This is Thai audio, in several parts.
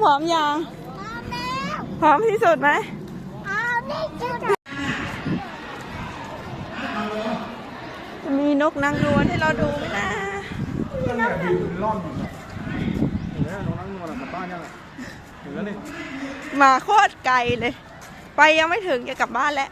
พร้อมยังพร้อมที่สุดไหมมีนกนางนวลให้เราดูไหมนะเนี่ยบินล่อนเห็นไหมน้องนั่งนวลกลับบ้านยังเห็นแล้วนี่มาโคตรไกลเลยไปยังไม่ถึงจะกลับบ้านแล้ว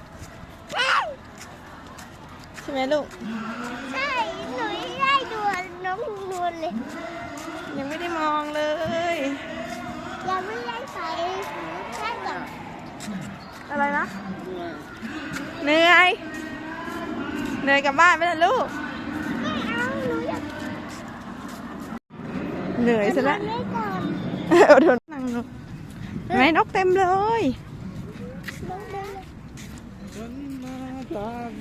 ใช่ไหมลูกใช่หนูได้ดูน้องนวลเลยยังไม่ได้มองเลยยังไม่ได้ใส่แค่ก่อนอะไรนะเหนื่อยกลับบ้านไปแล้วลูกไม่เอาหนูอยากเหนื่อยซะแล้วโดนนั่งนกไหนนกเต็มเลยร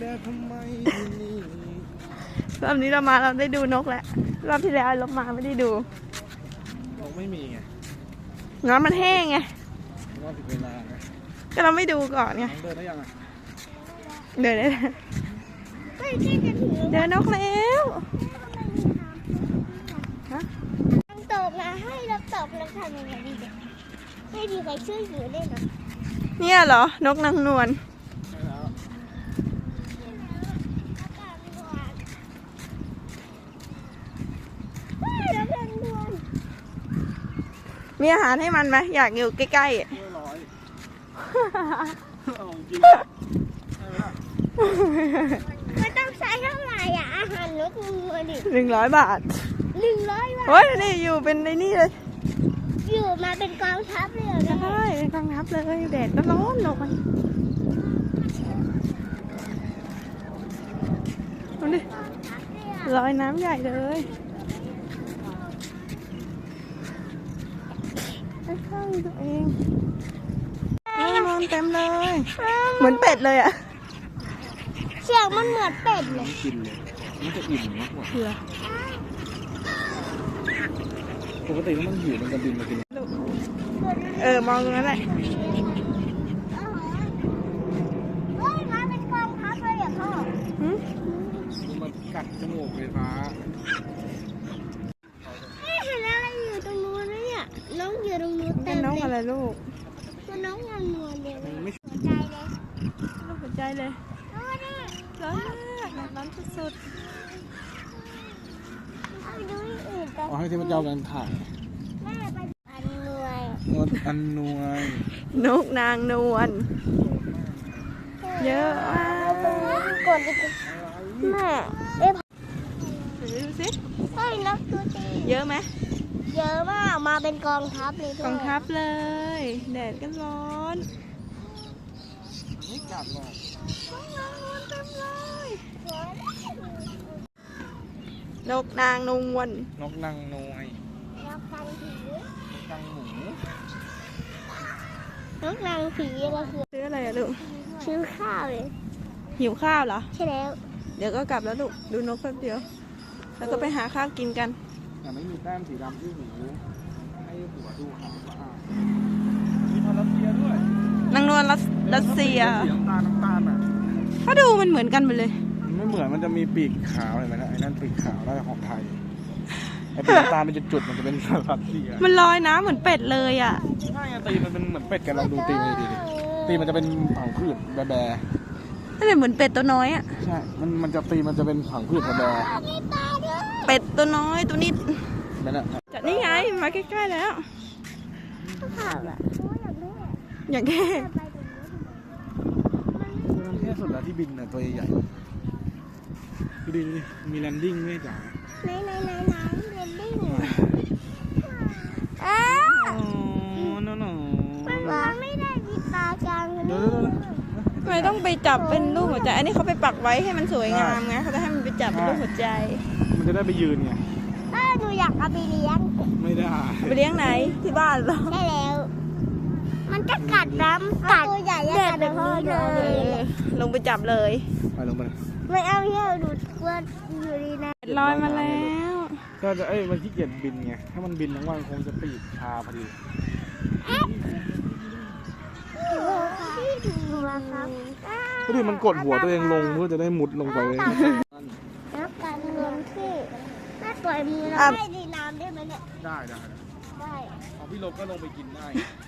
อบนี้เราได้ดูนกแล้วรอบที่แล้วเรามาไม่ได้ดูนกไม่มีไงน้ำมันแห้งไงรอบถึงเวลาไงก็เราไม่ดูก่อนไงเดินได้ยังอ่ะเดินได้เดินนกแล้วตอบนะให้เราตอบเราทำยังไงดีเด็กให้ดีใครช่วยเหลือได้หรอเนี่ยเหรอนกนางนวลมีอาหารให้มันไหมอยากอยู่ใกล้ๆไม่ต้องใช้เท่าไหร่อ่ะอาหารนกนวลดิ 100 บาท 100 บาทโอ้ยนี่อยู่เป็นในนี่เลยอยู่มาเป็นกองทัพเลยเหรอใช่เป็นกองทัพเลยแดดก็ร้อนลงไปดูดิลอยน้ำใหญ่เลยข้างตัวเองนอนเต็มเลยเหมือนเป็ดเลยอะเสียงมันเหมือนเป็ดเลยกินเลยมันจะอิ่มมากกว่าปกติมันหิวมันจะบินมากินมองตรงนั้นแหละเฮ้ยมาเป็นกองทัพเลยอ่ะพ่อมันกัดจมูกไฟฟ้าเห็นอะไรอยู่ตรงนู้นเนี่ยน้องอยู่ตรงนู้นเต็มเลยน้องอะไรลูกตัวน้องงานนวลเลยหัวใจเลยร้อนมากร้อนสุดๆเอาให้เทพเจ้ากันถ่ายนกอันนวลนกนางนวลเยอะมากกดดิแม่ดูสิเฮ้ยนกตัวจริงเยอะไหมเยอะมากมาเป็นกองทัพเลยกองทัพเลยแดดก็ร้อนไม่กัดหรอกนกนางนวลนกนางนวลนกนางผีนางหมูนกนางผีอะไรคือซื้ออะไรอะลูกซื้อข้าวเลยหิวข้าวเหรอใช่แล้วเดี๋ยวก็กลับแล้วลูกดูนกแป๊บเดียวแล้วก็ไปหาข้าวกินกันแต่ไม่มีแต้มสีดำที่หูให้หัวดูขาวสะอาดมีพารัสเซียด้วยนางนวลรัสเซียน้ำตาลอ่ะเขาดูมันเหมือนกันหมดเลยไม่เหมือนมันจะมีปีกขาวเห็นไหมนะไอ้นั่นปีกขาวแล้วของไทยไอ้ปีกน้ำตาลเป็นจุดๆมันจะเป็นรัสเซียมันลอยน้ำเหมือนเป็ดเลยอ่ะใช่ตีมันเป็นเหมือนเป็ดกันลองดูตีมันดีตีมันจะเป็นผังพืชแบะนั่นแหละเหมือนเป็ดตัวน้อยอ่ะใช่มันจะตีมันจะเป็นผังพืชแบะเป็ดตัวน้อยตัวนิดนั่นแหละจะนี่ไงมาใกล้ๆแล้วอย่างแค่แค่สุดแล้วที่บินน่ะตัวใหญ่ดูดิมีแลนดิ้งด้วยจ๋าไหนแลนดิ้งมันไม่ได้มีตากลางเลยทำไมต้องไปจับเป็นรูปหัวใจอันนี้เขาไปปักไว้ให้มันสวยงามไงเขาจะให้มันไปจับเป็นรูปหัวใจมันจะได้ไปยืนไงหนูอยากเอาไปเลี้ยงไม่ได้ไปเลี้ยงไหนที่บ้านเหรอใช่แล้วมันจะกัดน้ำกัดตัวใหญ่กัดแบบนี้เลยลงไปจับเลยไปลงไปไม่เอาเยอะดูว่าอยู่ดีนะลอยมาแล้วก็จะมันขี้เกียจบินไงถ้ามันบินทั้งวันคงจะปีกชาพอดีก็ดิมันกดหัวตัวเองลงเพื่อจะได้มุดลงไปแล้วการเงินที่แม่ปล่อยมือเราให้ดีน้ำได้ไหมเนี่ยได้ได้ของพี่ลบก็ลงไปกินได้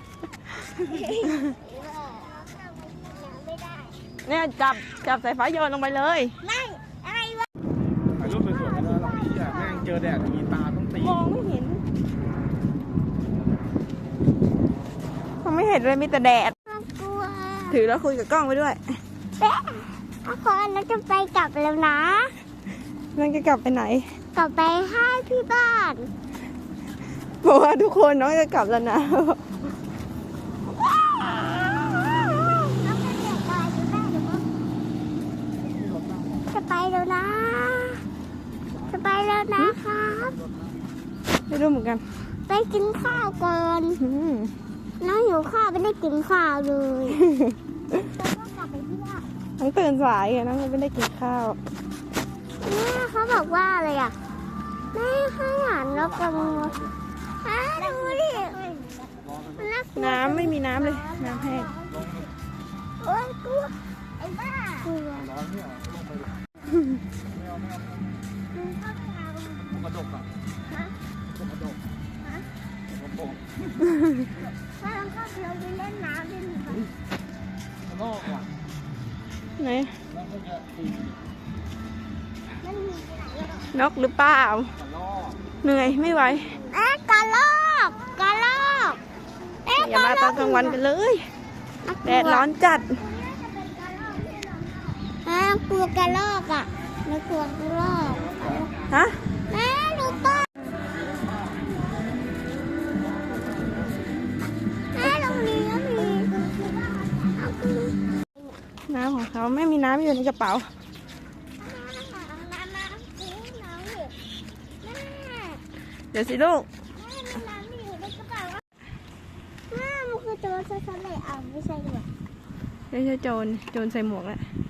ไม่ได้เนี่ยจับสายฟ้าโยนลงไปเลยไม่อะไรวะถ่ายรูปสวยๆไม่ได้หรอกพี่อ่ะแม่งเจอแดดอย่างนี้ตาต้องตีมองไม่เห็นมันไม่เห็นเลยมีแต่แดดน่ากลัวถือแล้วคุยกับกล้องไปด้วยเป๊ะทุกคนเราจะไปกลับแล้วนะนั่นจะกลับไปไหนกลับไปให้พี่บ้านบอกว่าทุกคนน้องจะกลับแล้วนะแล้วก็เดี๋ยวไปที่บ้านเดี๋ยวก็จะไปแล้วนะ จะไปแล้วนะครับไม่รู้เหมือนกันไปกินข้าวก่อนอืมน้องหิวข้าวไม่ได้กินข้าวเลยแล้วก็กลับไปที่บ้านน้องตื่นสายไงน้องไม่ได้กินข้าวแม่เขาบอกว่าอะไรอ่ะแม่ให้อาหารนกกระมูดูดิมันน่ากลัวน้ำไม่มีน้ำเลย น้ำแห้งโอ๊ยกลัวไอ้บ้ากลัวร้อนเนี่ยลงไปเลยไม่เอามึงเข้าไปเอากระดกอ่ะฮะกระดกฮะกระโปงถ้าเราเข้าไปเราไปเล่นน้ำได้ไหมคะกระลอกว่ะไหนแล้วก็จะตีมันมีที่ไหนอ่ะนกหรือเปล่ากระลอกเหนื่อยไม่ไหวกระรอกกระรอกเอ๊ะอย่ามาตอนกลางวันกันเลย แดดร้อนจัดกลัวกระรอกอ่ะไม่กลัวกระรอกฮะแม่ดูต้นแม่ตรงนี้ก็มีเอาคือน้ำของเขาไม่มีน้ำอยู่ในกระเป๋าน้ำซื้อน้ำดิแม่เดี๋ยวสิลูกแม่มีน้ำอยู่ในกระเป๋าแม่มันคือโจรชัดๆเลยอ่ะไม่ใช่ด้วยไม่ใช่โจรใส่หมวกแหละแ